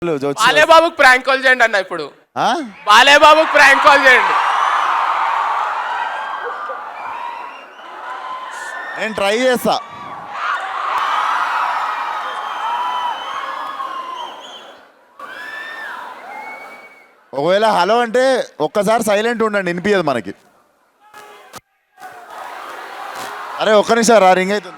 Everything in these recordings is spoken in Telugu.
బాలేబాబుకి ప్రాంక్ కాల్ చేయండి అన్న ఇప్పుడు. ఆ? బాలేబాబుకి ప్రాంక్ కాల్ చేయండి. నేను ట్రై చేస్తా. ఒకవేళ హలో అంటే ఒక్కసారి సైలెంట్ ఉండండి, వినిపించదు మనకి. అరే ఒక్క నిమిషం రా, రింగ్ అవుతుంది.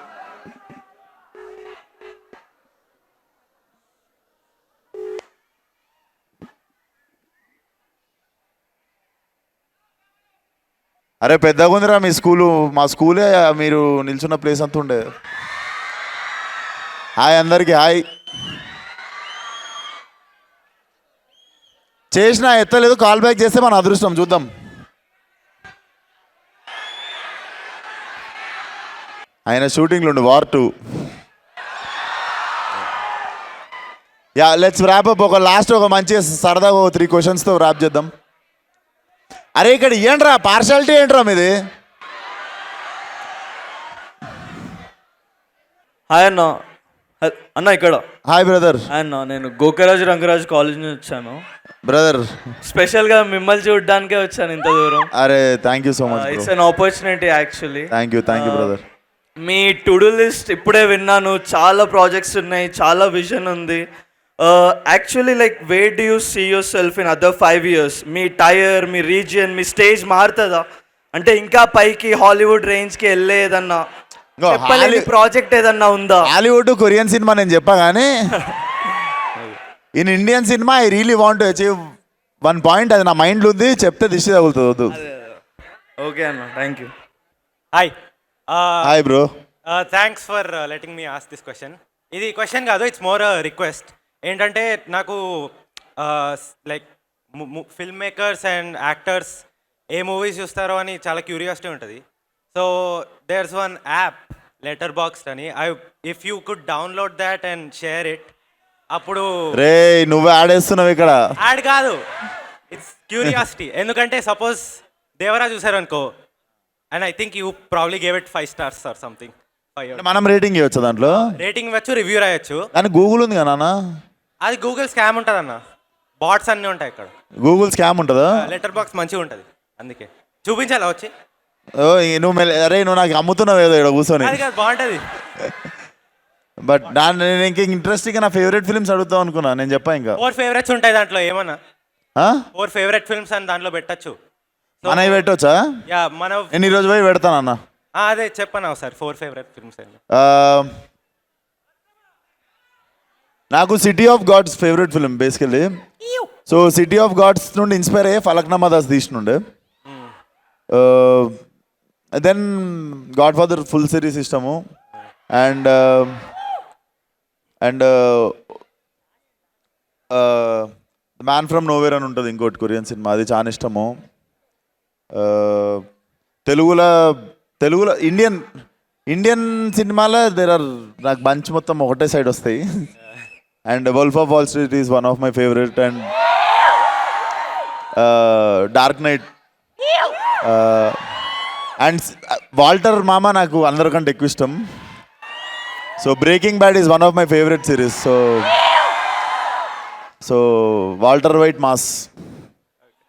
అరే పెద్దగా ఉందిరా మీ స్కూలు. మా స్కూలే మీరు నిల్చున్న ప్లేస్ అంతా ఉండే. హాయ్ అందరికీ, హాయ్. చేసినా ఎత్తలేదు, కాల్ బ్యాక్ చేస్తే మన అదృష్టం. చూద్దాం. ఆయన షూటింగ్లు ఉండు, War 2. Yeah let's wrap up. ఒక లాస్ట్ ఒక మంచి సరదాగా 3 క్వశ్చన్స్తో ర్యాప్ చేద్దాం. అరే ఇక్కడ ఏంట్రా పార్షాలిటీ, ఏంట్రా మీది? హాయ్ అన్న. అన్న ఇక్కడ. Hi brother. హాయ్ అన్న, నేను గోకరాజు రంగరాజు కాలేజ్ నుంచి వచ్చాను. బ్రదర్ స్పెషల్గా మిమ్మల్ని చూడడానికే వచ్చాను ఇంత దూరం. అరే thank you so much. It's an opportunity actually. Thank you brother. మీ టు డూ లిస్ట్ ఇప్పుడే విన్నాను. చాలా ప్రాజెక్ట్స్ ఉన్నాయి, చాలా విజన్ ఉంది. Actually like where do you see yourself in other 5 years? మీ టైర్, మీ రీజియన్, మీ స్టేజ్ మారుతుందా? అంటే ఇంకా పైకి హాలీవుడ్ రేంజ్కి వెళ్ళేదన్నా ప్రాజెక్ట్ ఏదన్నా ఉందా? హాలీవుడ్ కొరియన్ సినిమా నేను చెప్పా కానీ in Indian cinema I really want to achieve 1 point. అది నా మైండ్లో ఉంది, చెప్తే దిష్టి తగులుతుంది. ఓకే అన్న, thank you. Hi hi bro. Thanks for letting me ask this question. ఇది క్వశ్చన్ కాదు, ఇట్స్ మోర్ రిక్వెస్ట్. ఏంటంటే నాకు like film makers and actors ఏ మూవీస్ చూస్తారో అని చాలా క్యూరియాసిటీ ఉంటుంది. So there's one app Letterboxd అని. If you could download that and share it. అప్పుడు రే నువ్వు ఆడేస్తున్నావు ఇక్కడ. యాడ్ కాదు, ఇట్స్ క్యూరియాసిటీ. ఎందుకంటే సపోజ్ దేవరా చూసారు అనుకో, and I think you probably gave it 5 stars or something. మనం రేటింగ్ ఇవ్వచ్చు దాంట్లో. రేటింగ్ ఇవ్వచ్చు, రివ్యూ రాయొచ్చు. కానీ గూగుల్ ఉంది కదా నాన్న. అది గూగుల్ స్కామ్ ఉంటుంది అన్న. బాట్స్ అన్నీ ఉంటాయి ఇక్కడ. గూగుల్ స్కామ్ ఉంటుందా? లెటర్ బాక్స్ మంచిగా ఉంటుంది, అందుకే చూపించాలా వచ్చి. ఓ నువ్వు అరే నువ్వు నాకు అమ్ముతున్నావు ఏదో ఇక్కడ కూర్చొని. అది కాదు, బాగుంటుంది. బట్ నేను ఇంకా ఇంట్రెస్టింగ్ నా ఫేవరెట్ ఫిల్మ్స్ అడుగుతావు అనుకున్నా. నేను చెప్పా ఇంకా 4 favorites ఉంటాయి దాంట్లో. ఏమన్నా 4 favorite films అని దాంట్లో పెట్టచ్చు. మనవి పెట్టవచ్చా? యా మన నేను ఈరోజు పోయి పెడతానన్నా. అదే చెప్పను సార్, 4 favorite films అండి. నాకు City of Gods favourite film basically. So City of Gods నుండి ఇన్స్పైర్ అయ్యే ఫలక్నామా దాస్ తీసినుండే. Then Godfather full series ఇష్టము. అండ్ మ్యాన్ ఫ్రమ్ నోవేర్ అని ఉంటుంది ఇంకోటి కొరియన్ సినిమా, అది చాలా ఇష్టము. తెలుగులో ఇండియన్ సినిమాలో నాకు బంచ్ మొత్తం ఒకటే సైడ్ వస్తాయి. And Wolf of Wall Street is one of my favourite. And Dark Knight and Walter మామ నాకు అందరికంటే ఎక్కువ ఇష్టం. So Breaking Bad is one of my favourite series. So Walter White mass.